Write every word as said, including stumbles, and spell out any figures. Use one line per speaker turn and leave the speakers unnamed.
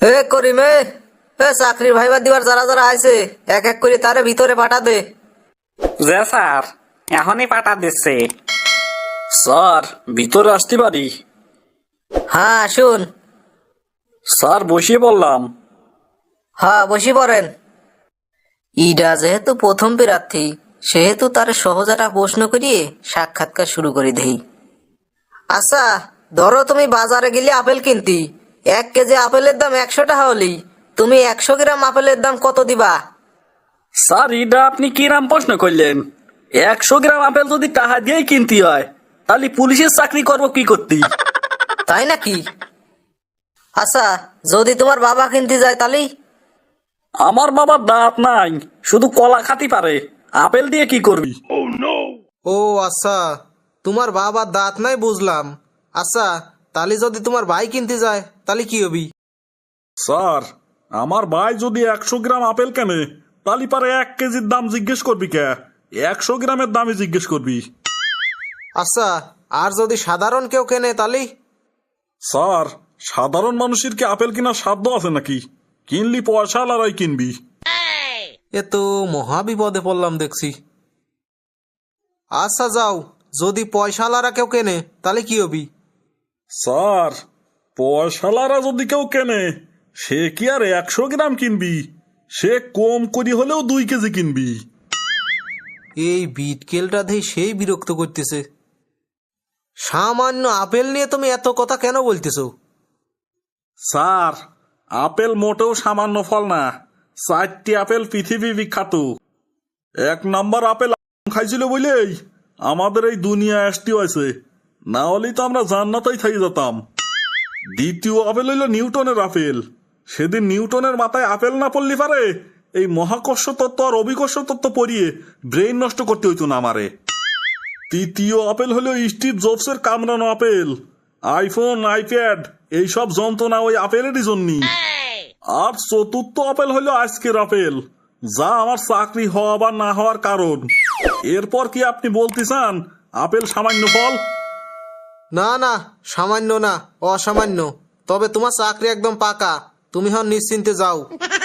এ করিমে, এ চাকরির ভাইবা দিবার যারা যারা আইছে এক এক করে তারে ভিতরে পাঠা দে।
যে স্যার, এখনই পাঠা দিচ্ছে। স্যার, ভিতরে আসতে পারি?
হ্যাঁ আসুন।
স্যার, বসিয়ে বললাম।
হ্যাঁ বসি পড়েন। ইডা যেহেতু প্রথম প্রার্থী সেহেতু তার সহজ একটা প্রশ্ন করিয়ে সাক্ষাৎকার শুরু করে দেই। আচ্ছা, ধরো তুমি বাজারে গেলে আপেল কিনতি, এক কেজি আপেলের দাম একশো টাকা হলি, তুমি একশো গ্রাম আপেলের দাম কত দিবা?
স্যার, এটা আপনি কিরাম প্রশ্ন করলেন? একশো গ্রাম আপেল যদি টাকা দিয়েই কিনতে হয়, তাহলে পুলিশের চাকরি করবো কি করতে?
তাই নাকি? আচ্ছা, যদি তোমার বাবা কিনতে যায় তাহলে?
আমার বাবার দাঁত নাই, শুধু কলা খাতি পারে, আপেল দিয়ে কি করবি?
ও আচ্ছা, তোমার বাবার দাঁত নাই বুঝলাম। আচ্ছা, তাহলে যদি তোমার ভাই কিনতে যায় তাহলে কি হবি?
স্যার, আমার ভাই যদি একশো গ্রাম আপেল কেনে তাহলে পারে এক কেজির দাম জিজ্ঞেস করবি কে? একশো গ্রামের দামই জিজ্ঞেস করবি।
আচ্ছা, আর যদি সাধারণ কেউ কেনে তাহলে?
স্যার, সাধারণ মানুষের কি আপেল কেনার সাধ্য আছে নাকি? কিনলি পয়সা আলারাই কিনবি।
এ তো মহা বিপদে পড়লাম দেখছি। আচ্ছা যাও, যদি পয়সাওয়ালারা কেউ কেনে তাহলে কি হবি?
স্যার, পয়সালারা যদি কেউ কেনে সে কি আর একশো গ্রাম কিনবি? সে কম করি হলেও দুই কেজি কিনবি।
এই বিটকেলটা দিয়ে সেই বিরক্ত করতেছে। সামান্য আপেল নিয়ে তুমি এত কথা কেন বলতেছো?
স্যার, আপেল মোটেও সামান্য ফল না। চারটি আপেল পৃথিবী বিখ্যাত। এক নাম্বার আপেল আদম খাইছিল বলেই আমাদের এই দুনিয়া আসতে হয়েছে, না হলেই তো আমরা জান্নাতেই থাকি যেতাম। দ্বিতীয় আপেল হইল নিউটনের আপেল। সেদিন নিউটনের মাথায় আপেল না পড়লি পারে এই মহাকর্ষ তত্ত্ব আর অভিকর্ষ তত্ত্ব পড়িয়ে ব্রেইন নষ্ট করতে হইতো না আমারে। তৃতীয় আপেল হলো স্টিভ জবসের কামড়ানো আপেল। আইফোন, আইপ্যাড এইসব যন্ত্রণা ওই আপেলেরই জন্যই। আর চতুর্থ আপেল হলো আজকের আপেল, যা আমার চাকরি হওয়া বা না হওয়ার কারণ। এরপর কি আপনি বলতে চান আপেল সামান্য ফল?
না না, সামান্য না, অসামান্য। তবে তোমার চাকরি একদম পাকা, তুমি হন নিশ্চিন্তে যাও।